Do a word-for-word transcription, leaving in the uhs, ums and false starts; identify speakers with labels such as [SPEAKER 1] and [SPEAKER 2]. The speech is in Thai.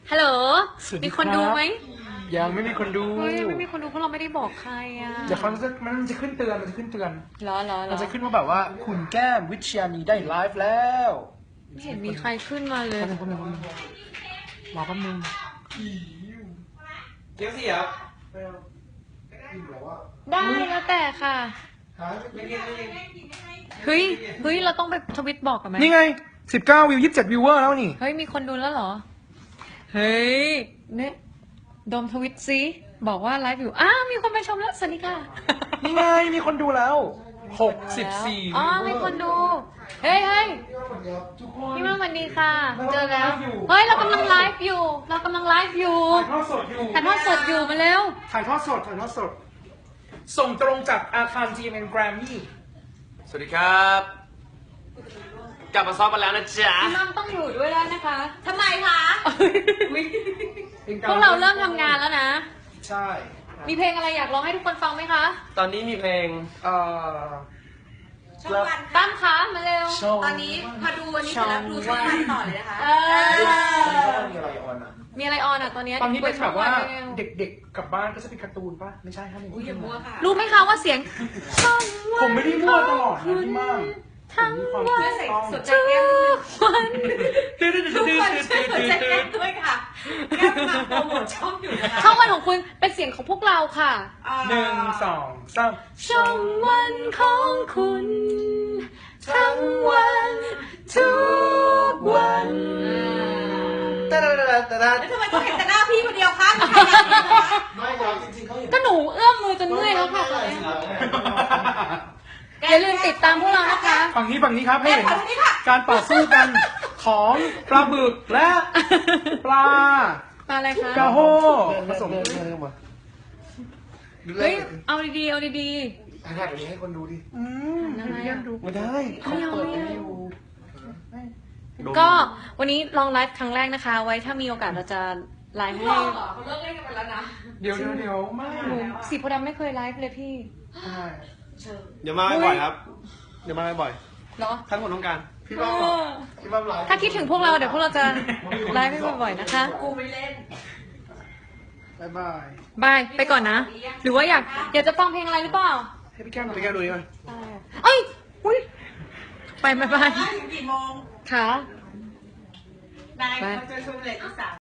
[SPEAKER 1] ฮัลโหล
[SPEAKER 2] สวัสดี
[SPEAKER 1] มีคน
[SPEAKER 2] ครับ
[SPEAKER 1] ดูไหม
[SPEAKER 2] ยังไม่มีคนดู
[SPEAKER 1] เฮ้ยไม่มีคนดูเพราะเราไม่ได้บอกใครอ่ะ
[SPEAKER 2] เดี๋ยวเขาจะมันจะขึ้นเตือนมันจะขึ้นเตือน
[SPEAKER 1] เหรอเหรอเหร
[SPEAKER 2] มัน
[SPEAKER 1] อ
[SPEAKER 2] จะขึ้นว่าแบบว่าคุณแก้มวิชยานีได้ไลฟ์แล้ว
[SPEAKER 1] ไม่เห็นมีใครขึ้นมาเลย
[SPEAKER 2] แป๊บนึงแป๊บนึงแป๊บนึงรอแป๊บนึง
[SPEAKER 3] เกี๊ยวเสียบ
[SPEAKER 1] ได้แล้วแต่ค่ะ
[SPEAKER 3] ไม่กินไม่กิน
[SPEAKER 1] เฮ้ยเฮ้ยเราต้องไปทวิตบอกกันไหม
[SPEAKER 2] นี่ไงสิบเก้าวิวยี่สิบเจ็ดวิวเวอร์แล้วนี่
[SPEAKER 1] เฮ้ยมีคนดูแล้วเหรอเฮ้ยเนี่ยโดมทวิตซิบอกว่าไลฟ์อยู่อ้าวมีคนไปชมแล้วสวัสดีค่ะ
[SPEAKER 2] นี่ไงมีคนดูแล้วหกสิบสี่
[SPEAKER 1] อ๋อมีคนดูเฮ้ยเฮ้ยพี่มั่งสวัสดีค่ะเจอแล้วเฮ้ยเรากำลังไลฟ์อยู่ เรากำลังไลฟ์อยู่
[SPEAKER 2] ถ่ายทอดสดอยู่
[SPEAKER 1] ถ่ายทอดสดอยู่มาเร็ว
[SPEAKER 2] ถ่ายทอดสดถ่ายทอดสด ส่งตรงจากอาคาร จี เอ็ม เอ็น Grammy
[SPEAKER 3] สวัสดีครับ กลับมาซ้อมกันแล้วนะจ๊ะ
[SPEAKER 1] พี่มั่งต้องอยู่ด้วยแล้วนะคะ
[SPEAKER 4] ทำไมคะ
[SPEAKER 1] พวกเราเริ่มทำงานแล้วนะ
[SPEAKER 2] ใช่
[SPEAKER 1] มีเพลงอะไรอยากร้องให้ทุกคนฟังไหมคะ
[SPEAKER 3] ตอนนี้มีเพลง
[SPEAKER 2] เอ่อ
[SPEAKER 4] ช่องวัน
[SPEAKER 1] ตั้มคะมาเร็ว
[SPEAKER 2] ช่อง
[SPEAKER 4] ตอนนี้มาดูวันนี้เสร็จแล้วดูช่องวันต่อเลยนะคะ
[SPEAKER 1] เออ
[SPEAKER 2] มีอะไรออนอ่ะ
[SPEAKER 1] มีอะไรออนอ่ะตอนนี้
[SPEAKER 2] ตอนนี้เป็นแบบว่า
[SPEAKER 1] ปิดช่องนไปร็
[SPEAKER 2] เด็กๆกลับบ้านก็จะเป็นการ์ตูนป่ะ ไม่ใช่ครับ
[SPEAKER 4] อุ้ยอย่ามัวค่ะ
[SPEAKER 1] รู้ไหมคะว่าเสียงช่องวัน
[SPEAKER 2] ผมไม่ได้มั่วตลอดนะพี่มาก
[SPEAKER 1] ทั้ง
[SPEAKER 2] ผมมี
[SPEAKER 1] วั
[SPEAKER 2] ความ
[SPEAKER 1] น
[SPEAKER 2] ถูกต้อง
[SPEAKER 4] สนใจ
[SPEAKER 1] ทุ
[SPEAKER 4] แก้ม
[SPEAKER 1] กวัน
[SPEAKER 4] ทุกคนช่วยสนใจแก้มด้วยค่ะแก้มมาโปรโมทช่องอยู่นะคะ
[SPEAKER 1] ช่องวันของคุณเป็นเสียงของพวกเราค่ะ
[SPEAKER 4] อ่า
[SPEAKER 2] หนึ่งสองสาม
[SPEAKER 1] ช่องวันของคุณ ทั้งวันทุกวัน
[SPEAKER 3] ตะดะดะดะดะ
[SPEAKER 4] แล้วทำไมต้องเห็นแต่หน้าพี่คนเดียวคะมีใครอยากเห็นไหมคะ
[SPEAKER 3] ไม่เราจริงๆเขาเห็น
[SPEAKER 1] ก็หนูเอื้อมมือจนเมื่อยแล้วค่ะตอนนี้อย่าลืมติดตามพวกเรานะคะ
[SPEAKER 2] ฝั่งนี้ฝั่งนี้ครับให้
[SPEAKER 4] แก้ม
[SPEAKER 2] เห็น
[SPEAKER 4] ขอทางนี้ค่ะ
[SPEAKER 2] การต่อสู้กันของปลาบึกและปลา
[SPEAKER 1] มาอะไรคะ
[SPEAKER 2] กระโฮผสม
[SPEAKER 1] เฮ้ย เอาดีๆ เอาดี
[SPEAKER 3] ถ่ายแบบนี้ให้คนดูดิ
[SPEAKER 2] อืม
[SPEAKER 1] ทำไมอะ
[SPEAKER 2] ดู
[SPEAKER 3] ไม่ได้
[SPEAKER 1] ไม่เอา
[SPEAKER 3] เปิด
[SPEAKER 1] ไม่
[SPEAKER 3] ให้
[SPEAKER 1] เอา
[SPEAKER 3] ดู
[SPEAKER 1] ๆ ก็วันนี้ลองไลฟ์ครั้งแรกนะคะ ไว้ถ้ามีโอกาสเราจะไลฟ์ให้
[SPEAKER 4] เขาเลิกเล่นกันไปแล้วนะ
[SPEAKER 2] เดี๋ยวเดี๋ยวเดี๋ยวไม่
[SPEAKER 1] หนูสีโพธิ์ดำไม่เคยไลฟ์เลยพี่
[SPEAKER 2] ใช่
[SPEAKER 3] เดี๋ยวมาบ่อยๆครับ เดี๋ยวมาบ่อย
[SPEAKER 1] เหรอ
[SPEAKER 3] ๆท่านคนต้องการ
[SPEAKER 2] พี่
[SPEAKER 1] เอ
[SPEAKER 2] บ้า
[SPEAKER 1] อ
[SPEAKER 2] พี่บ้าไลฟ์
[SPEAKER 1] ถ้าคิดถึงพวกเราเดี๋ยวพวกเราจะไลฟ์ให้บ่อยๆนะคะ
[SPEAKER 4] กูไม่เล่น
[SPEAKER 2] บายบาย
[SPEAKER 1] บาย ไปก่อนนะ หรือว่าอยากอยากจะฟังเพลงอะไรหรือเปล่า
[SPEAKER 2] ให้พี่แก้มหน่อย
[SPEAKER 3] ไปแก้ดูดิมั้ย
[SPEAKER 1] เอ้ยอุ้ยไปไปไป
[SPEAKER 4] ถึงกี่โมง
[SPEAKER 1] ค่ะ
[SPEAKER 4] นายเขาจะชมเลยอีสาน